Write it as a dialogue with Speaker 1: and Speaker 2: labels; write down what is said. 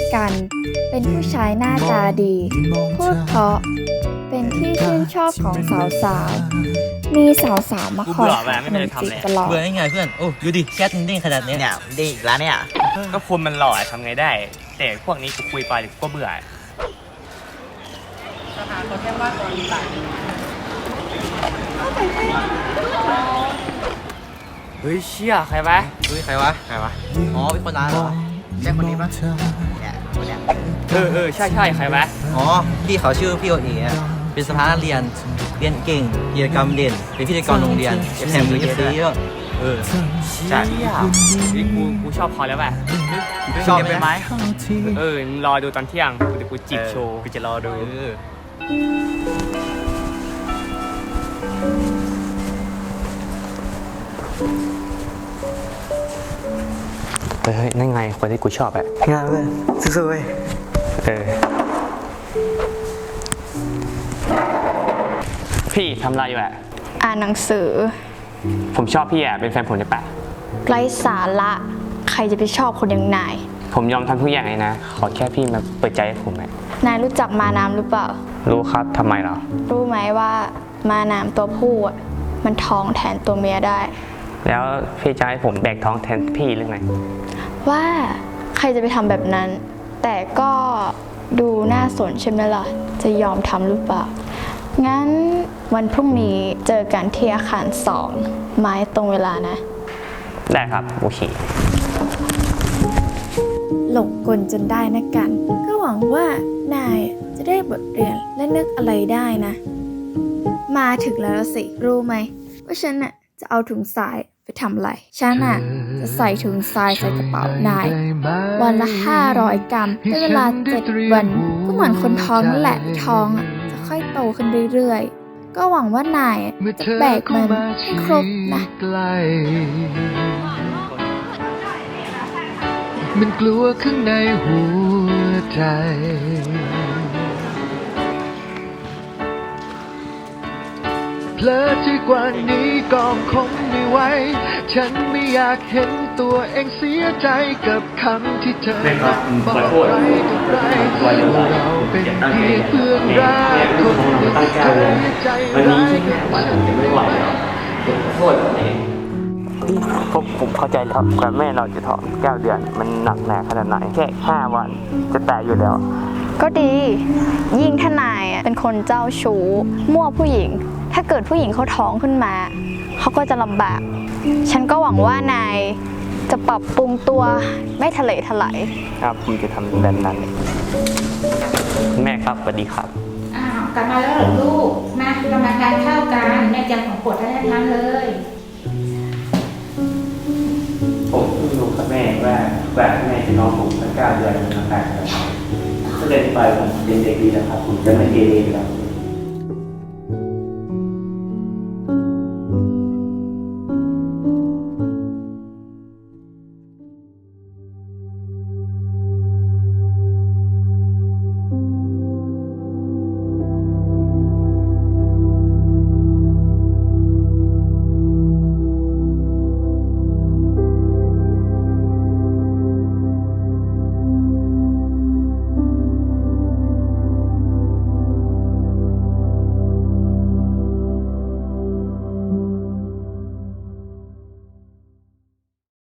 Speaker 1: กัน เป็นผู้ชายหน้าตาดี พูดเพราะ เป็นที่ชื่นชอบของสาวๆ มีสาวๆ มาคอยหาขนมจีบตลอด
Speaker 2: เบื่อได้ไงเพื่อน โอ้ดูดิแชทมันเด้งขนาดนี้
Speaker 3: เนี่ยดีอีกแล้วเนี่ย
Speaker 4: ก็คนมันหล่อทำไงได้ แต่พวกนี้กูคุยไปก็เบื่อเฮ้ยเชี่ยใครวะ
Speaker 2: เฮ้ยใครวะ อ๋อเป็นคนร้านเหรอ
Speaker 3: ใช่คนนี้ปะเนี่ยคนเนี้ย
Speaker 4: ใช่ใครวะ
Speaker 2: อ๋อพี่เขาชื่อพี่โอเอ๋อะเป็นสภานักเรียนเก่งกิจกรรมเด่น เป็นพิธีกรโรงเรียนแถมมีเอฟซีด้วย
Speaker 4: ใช่นี่กูชอบเขาแล้วว่ะ
Speaker 2: ชอบไหม
Speaker 4: มึงรอดูตอนเที่ยงเดี๋ยวกูจีบโชว์
Speaker 2: กูจะรอดู
Speaker 4: เฮ้ยนั่นไงคนที่กูชอบอะ
Speaker 2: งานเลยสู้ๆเว้ย
Speaker 4: พี่ทำอะไรอยู่อะ
Speaker 1: อ่านหนังสือ
Speaker 4: ผมชอบพี่อะเป็นแฟนผมได้ปะ
Speaker 1: ไร้สาระ ใครจะไปชอบคนอย่างนาย
Speaker 4: ผมยอมทำทุกอย่างเลยนะ ขอแค่พี่มาเปิดใจให้ผมอะ
Speaker 1: นายรู้จักมาน้ำหรือเปล่า
Speaker 4: รู้ครับทำไมเหรอ
Speaker 1: รู้ไหมว่ามาน้ำตัวผู้อะมันท้องแทนตัวเมียได้
Speaker 4: แล้วพี่จะให้ผมแบกท้องแทนพี่หรือไง
Speaker 1: ว่าใครจะไปทำแบบนั้น แต่ก็ดูน่าสนใช่ไหมล่ะ จะยอมทำหรือเปล่า งั้นวันพรุ่งนี้เจอกันที่อาคาร2 ไม้ตรงเวลานะ
Speaker 4: ได้ครับโอเค
Speaker 1: หลงกลจนได้นะกัน ก็หวังว่านายจะได้บทเรียนและนึกอะไรได้นะ มาถึงแล้วสิ รู้ไหมว่าฉันน่ะจะเอาถุงทรายไปทำอะไร ฉันน่ะจะใส่ถุงทรายใส่กระเป๋านาย วันละ500 กรัมเป็นเวลา7 วัน ก็เหมือนคนท้องนั่นแหละที่ท้องอ่ะจะค่อยโตขึ้นเรื่อยๆ ก็หวังว่านายจะแบกมันให้ครบนะ
Speaker 5: มันกลัวข้างในหัวใจเพลิดที่กว่านี้ก็คงไม่ไหวฉันไม่อยากเห็นตัวเองเสียใจกับคำที่เธอบอกใครต่อใครว่าเราเป็นเพียงเพื่อนรักคนหนึ่งเคยใจร้ายกับฉันไม่ไหว
Speaker 4: ผมเข้าใจแล้วกว่าแม่เราจะท้อง9 เดือน มันหนักหนาขนาดไหนแค่5 วันจะตายอยู่แล้ว
Speaker 1: ก็ดี ยิ่งถ้านายเป็นคนเจ้าชู้มั่วผู้หญิง ถ้าเกิดผู้หญิงเขาท้องขึ้นมา เขาก็จะลำบาก ฉันก็หวังว่านายจะปรับปรุงตัวไม่ทะเลถลาย
Speaker 4: ครับผมจะทำแบบนั้น แม่ครับสวัสดีครับ
Speaker 6: อ้าวกลับมาแล้วเหรอลูก มาเรามาทานข้าวกันแม่จำของโปรดให้ทานเลย
Speaker 4: ผมเพิ่งรู้ครับแม่ว่าแม่จะน้องผมตั้ง9 เดือนมันต่างกันก็เลยไปผมเป็นเด็กดีนะครับผมจะไม่เกเรแล้ว